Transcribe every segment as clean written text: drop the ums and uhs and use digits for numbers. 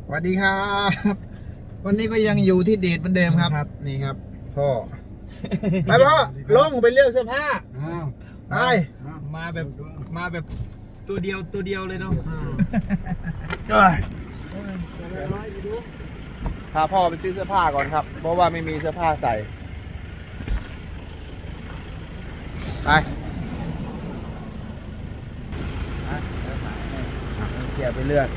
สวัสดีครับวันนี้ก็ยังอยู่ที่เดทเหมือนเดิมครับนี่ครับพ่อไปพ่อลงไปเลือกเสื้อผ้าไปมาแบบตัวเดียวเลยเนาะพาพ่อไปซื้อเสื้อผ้าก่อนครับเพราะว่าไม่มีเสื้อผ้าใส่ไปเสียไปเลือก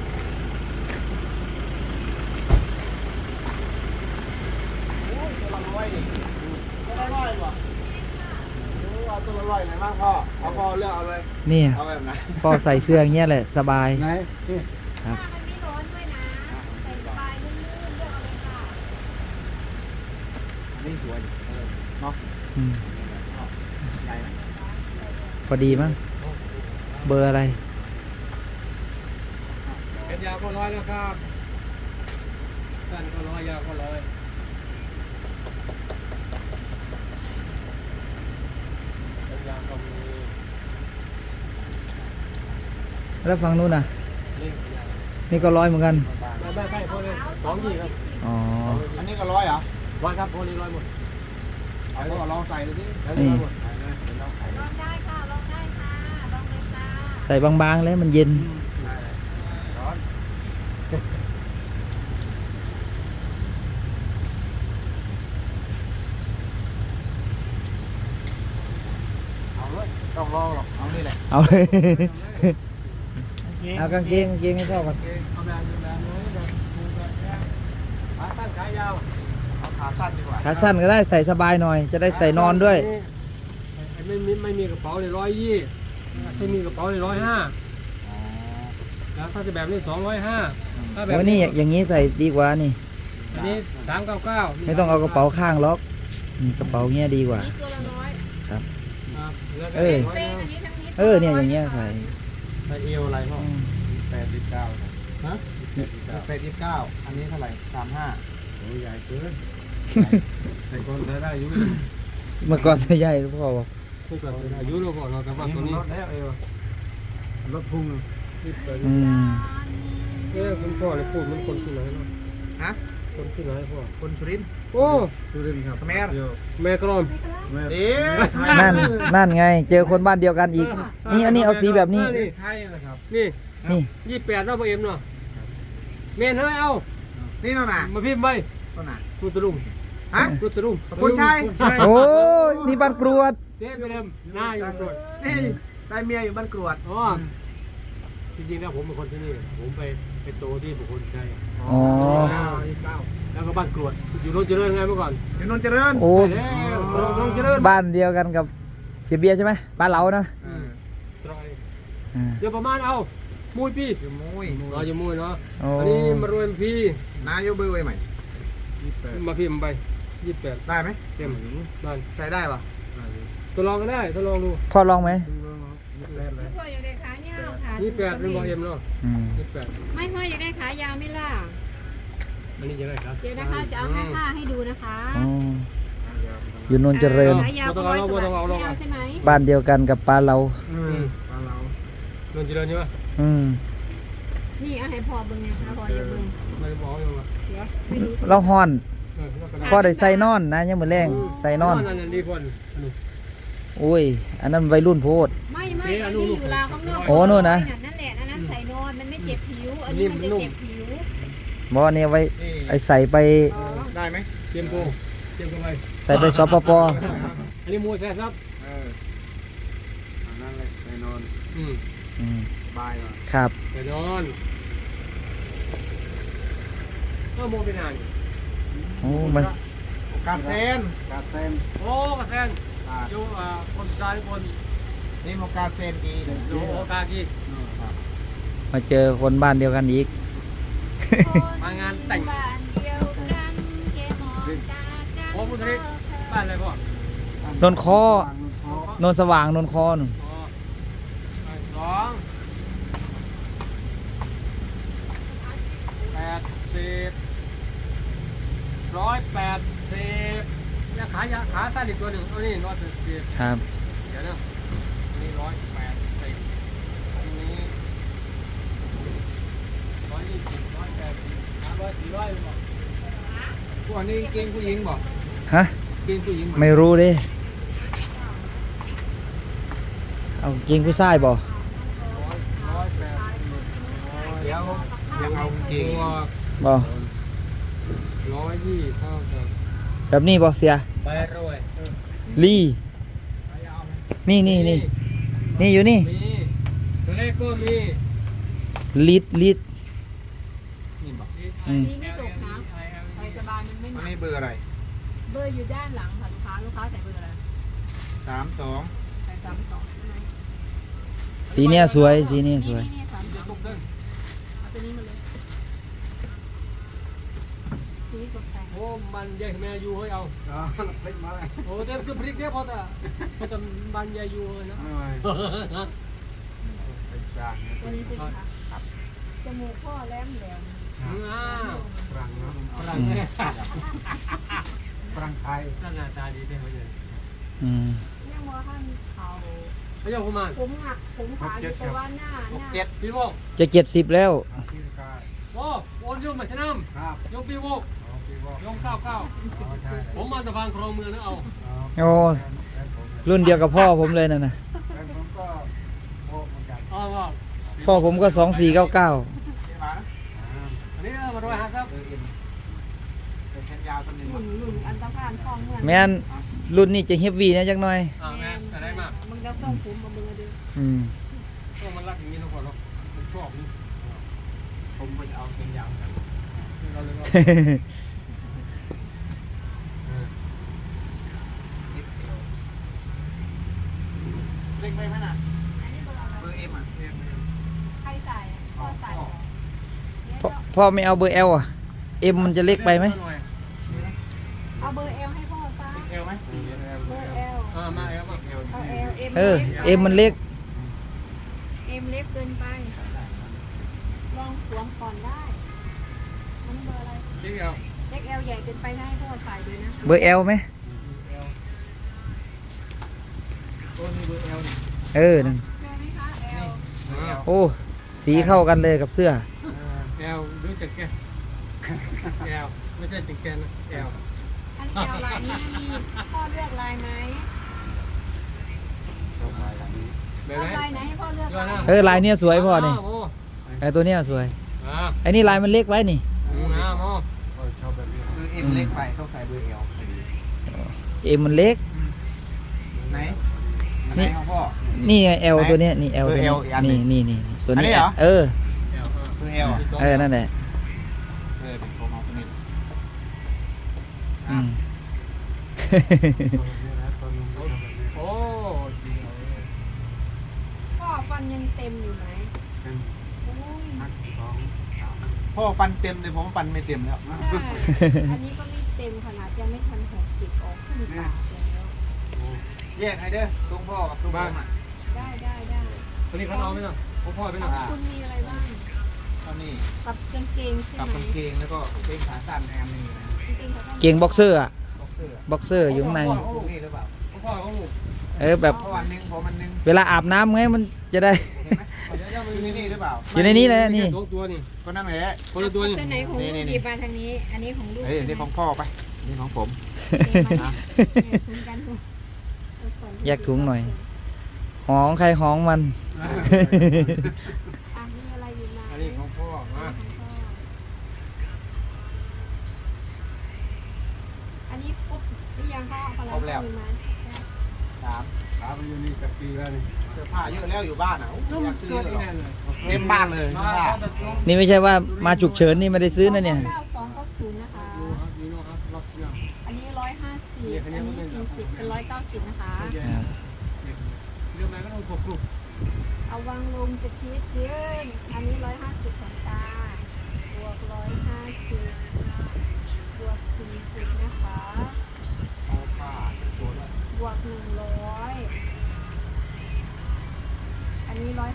เอาตัวละร้อยไหนบ้างพ่อเอาพ่อเลือกเอาเลยนี่เอาแบบไหนพอใส่เสื้ออย่างเงี้ยแหละสบายไหนครับมันไม่ร้อนด้วยนะใส่สบายลื่นๆเลือกเอาเลยค่ะนี่สวยเนาะอืมใหญ่ไหมพอดีมั้งเบอร์อะไรแขนยาวก็ร้อยแล้วครับสั้นก็ร้อยยาวก็ร้อยแขนยาวก็มีแล้วฝั่งนู้นน่ะเล่นขยาวนี่ก็100เหมือนกันได้ใกล้พอเลย2 ครับอ๋ออันนี้ก็ร้อยเหรอร้อยครับพอเลยร้อยหมดเอาพ่อลองใส่ดูดิแล้วร้อยหมดลองได้ค่ะลองได้ค่ะลองเลยค่ะใส่บางๆแล้วมันเย็นร้อนเอาเลยต้องลองหรอกเอานี่แหละเอาเลยเอากางเกงให้พ่อก่อนเอาแบบเลยแบบปูแบบแก้ขาสั้นขายาวเอาขาสั้นดีกว่าขาสั้นก็ได้ใส่สบายหน่อย จะได้ใส่นอนด้วยไม่มีกระเป๋าเลย120ถ้ามีกระเป๋าเลย105แล้วถ้าจะแบบนี้205ถ้าแบบโอ้ยนี่อย่างนี้ใส่ดีกว่านี่อันนี้399 ไม่ต้องเอากระเป๋าข้างล็อกนี่กระเป๋าเงี้ยดีกว่านี่ตัวละร้อยครับเออเป้งอันนี้ทั้งนี้เนี่ยอย่างเงี้ยใส่ใส่เอวอะไรพ่ออืม 89ฮะ89อันนี้เท่าไหร่35โอ้ยใหญ่เกินใส่คนได้อยู่เมื่อก่อนใส่ใหญ่พ่อบอกนี่ก็อายุเราบอกเราแต่ว่าตัวนี้รถแล้วเอวรถพุ่งอืมคุณพ่อเลยพูดมันคนที่ไหนเนาะฮะคนที่ไหนพ่อคนสุรินทร์โอ้สุรินทร์ครับแม่แม่กรอมเอ๊ะนั่นไง เจอคนบ้านเดียวกันอีก นี่อันนี้เอาสีแบบนี้ไทยนะครับนี่นี่ 28เนาะพ่อเอ็มเนาะเมนเฮ้ยเอานี่เนาะน่ะมาพิมพ์ไปต้นน่ะรูตะลุงฮะรูตะลุงคุณชายโอ้ยนี่บ้านกรวดเจ๊ไปเริ่มหน้าอยู่ตรวจนี่ได้เมียอยู่บ้านกรวดอ๋อจริงๆแล้วผมเป็นคนที่นี่ผมไปโตที่บุคคลชัยอ๋อแล้วก็บ้านกรวดอยู่โรงเจริญไงเมื่อก่อนอยู่นนท์เจริญโอ้โรงเจริญบ้านเดียวกันกับเสียเบียร์ใช่ไหมบ้านเรานะตรอยอ่าเดี๋ยวประมาณเอามุ้ยพี่อยู่มุ้ยรออยู่มุ้ยเนาะโอ้อันนี้มารวยพี่นายกเบอร์ไว้ใหม่มาพิมพ์ไป28 ได้ไหมเต็มบ้านใส่ได้ปะทดลองก็ได้ทดลองดูพ่อลองไหมพี่พ่ออยากได้ขายาวค่ะ 28เป็นบอเอ็มเนาะอืม 28 ไม่พ่ออยากได้ขายาวไม่ล่ะอันนี้จะได้ครับเดี๋ยวนะคะจะเอาให้ผ้าให้ดูนะคะอ๋ออยู่นนท์เจริญขายาวก็ร้อยตัวไม่เอาใช่ไหมบ้านเดียวกันกับปลาเราบ้านเราเงินเจริญใช่ไหมอืมนี่เอาให้พ่อเบิ่งเนี่ยนะพ่ออย่าเบิ่งไม่ได้บอกยังไงเดี๋ยวไม่รู้สิเราฮ้อนเพ่อได้ใส่นอนนะยังมือแรงใส่นอนนั่นดีกว่าโอ้ย อันนั้นวัยรุ่นโพดไม่อันนี้อยู่ลาวข้างนอกโอ้นู่นนะนั่นแหละอันนั้นใส่นอนมันไม่เจ็บผิว อันนี้มันจะเจ็บผิวบอเนี่ยไว้ไอใส่ไปอ๋อได้ไหมเตรียมโกเตรียมกันไปใส่ไปสปปอันนี้มวยแซ่ครับนั่นเลยไปนอนอืมอืมบายว่ะครับไปนอนก็โมเป็นานโอ้มันกาเซนกาเซนโอ้กระแซนอยู่คนชายคนนี่โมกาเซนกีเลยอยู่โอกากีมาเจอคนบ้านเดียวกันอีกมางานแต่งบ้านเดียวกันแค่มองตากันโอ้พุทธฤทธิ์บ้านอะไรพ่อนนคอนนสว่างนนคอนู่นอ๋อ2 180เนี่ยขาสั้นอีกตัวหนึ่งเอานี่180 ครับเดี๋ยวนะอันนี้180อันนี้120 180 300 400บอกพวกนี้เกงผู้หญิงบอกฮะเกงผู้หญิงบอกไม่รู้ดิเอาเกงผู้ชายบ่ 180 เดี๋ยวยังเอาเกงตัวบ่ 120เท่ากับแบบนี้บ่เสีย 800 ลี่นี่อยู่นี่มีตัวเล็กก็มีลิดนี่บอกอืมนี่ไม่ตกนะใส่สบายมันไม่หอันนักนี้เบอร์อะไรเบอร์อยู่ด้านหลังค่ะลูกค้าใส่เบอร์อะไร 32 ใส่32ใช่ไหมสีเนี้ยสวยสีเนี้ยสวยนี่32 ตกเด้งเอาตัวนี้มาเลยสีสดใสโอ้มันใหญ่แม่อยู่เฮ้ยเอาพลิกมาเลยโอ้เต็มคือพริกเนี้ยพอแต่แต่มันใหญ่อยู่เลยนะตัวนี้ใช่ไหมคะจมูกพ่อแหลมฝรั่งเนาะฝรั่งเนี่ยฝรั่งไทยหน้าตาดีได้เขาเลยอืมเนี่ยว่าท่านเขาพระเจ้าพมานผมหักผมขาดอยู่แต่ว่าหน้า 67 พี่โบกจะ70แล้วโอ้โอนยมมาชนะยมพี่โบกยม99ผมมาสะพานคลองเมืองนะเอาโอ้รุ่นเดียวกับพ่อผมเลยนั่นน่ะอ๋อว่าพ่อผมก็2499 อันนี้มาด้วยฮะครับเป็นแขนยาวตัวหนึงหนุนอันตรพานคลองเมืองแม่นรุ่นนี้จะเฮฟวีนะจักหน่อยแม่อะไรมามึงจะส่งผมมาเบอร์ดูอืมก็มันรักอย่างนี้ทุกคนเนาะมันชอบนี่ผมก็จะเอาแขนยาวกันเราเลยว่าเล็กไปไหมน่ะอันนี้เบอร์อะไรเบอร์เอ็มอ่ะใครใส่พ่อใส่พ่อไม่เอาเบอร์ L อ่ะ M มันจะเล็กไปไหมเอาเบอร์เอลให้พ่อซะเอลไหมเบอร์เอลมาเอลมาเอาเอลเอ็มเออ M มันเล็กเอ็มเล็กเกินไป ลองสวมก่อนได้มันเบอร์อะไรพี่เอลเล็กเอลใหญ่เกินไปให้พ่อใส่เลยนะเบอร์ L ไหมตัวนี้เบอร์เอลนี่เออนั่นเจอไหมคะเอลโอ้สีเข้ากันเลยกับเสื้อเอลดูจักแกเอลไม่ใช่จักแกนะเอลอันนี้เอลลายนี้มีพ่อเลือกลายไหมแบบเอาไหนลายไหนให้พ่อเลือกลายเออลายเนี้ยสวยพ่อนี่ไอตัวเนี้ยสวย ไอนี่ลายมันเล็กไว้นี่โมเบอร์เอ็มเล็กไปต้องใส่เบอร์เอล M มันเล็กไหนอันไหนของพ่อนี่ไง L ตัวเนี้ยนี่ L ตัวนี้ L อีกอันหนึ่นี่งนี่ตัวอันนี้นี้เหรอเออเบอร์เอลอ่ะเออนั่นแหละเป็นของเอาตัวนี้อืมโอ้พ่อฟันยังเต็มอยู่ไหมโอ้ยพ่อฟันเต็มเลยผมฟันไม่เต็มแล้วใช่ อันนี้ก็ไม่เต็มขนาดยังไม่ทัน60ออกขึ้นปากแล้วแยกให้เด้อตรงพ่อกับตรงผมอ่ะได้ได้ได้ตัวนี้เขาเอาไหมเนาะพ่อไปขอเนาะงคุณมีอะไรบ้างเท่านี้กับกางเกงใช่กับไหมกางเกงแล้วก็กางเกงขาสั้นแอมนี่นะกางเกงขาสั้นเกงบ็อกเซอร์อะบ็อกเซอร์บ็อกเซอร์อยู่ข้างในตรงนี้หรือเปล่าพ่อเขาลูกเออแบบเพราะวันหนึงผมมันหนึงเวลาอาบน้ำไงมันจะได้เห็นไหมอยู่ในนี่หรือเปล่าอยู่ในนี้เลยนี่ตัวนี่ก็นั่นแหละคนละตัวนี่ตัวไหนของลูกหยิบมาทางนี้ อันนี้ของลูกเฮ้ยนี่ของพ่อไปนี่ของผมคุณกันถูกแยกถุงหน่อย หองใครหองมันอ่ะมีอะไรอยู่ไหมอันนี้ของพ่อมาอันนี้ครบหรือยังพ่ออะไรมีไหมสามมันอยู่นี่กับปีแล้วนี่เสื้อผ้าเยอะแล้วอยู่บ้านอ่ะโอ้อยากซื้อตัวเยอะนี้หรอแน่เลยเต็มบ้านเลยเสื้อผ้านี่ไม่ใช่ว่ามาฉุกเฉินนี่ไม่ได้ซื้อนะเนี่ย 9290นะคะดูครับดูครับล็อกเนี่ยอันนี้150อันนี้40เป็น190นะคะเรื่องอะไรก็ต้องควบคุมเอาวางลงจะคิดยืนอันนี้150ของตาบวก150บวก40นะคะเอาผ้าตัวละบวก100อันนี้150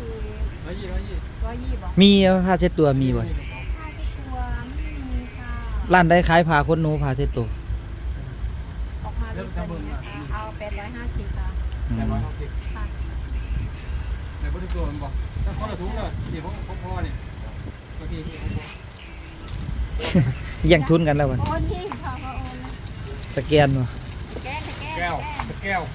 120 120บอกมีผ้าเช็ดตัวมีบ่ค่าที่ตัวไม่มีค่ะร้านได้ขายผ้าคนหนูผ้าเช็ดตัวออกมาเป็นตัวนี้นะคะเอา850ค่ะอืม 860 ค่ะแต่บริตัวมันบอกถ้าคนละถุงเลยที่ของพ่อเนี่ยบางทีที่ของพ่อแย่งทุนกันแล้ววันโอนนี่ค่ะโอนสแกนวะแก้แก้วแก้ว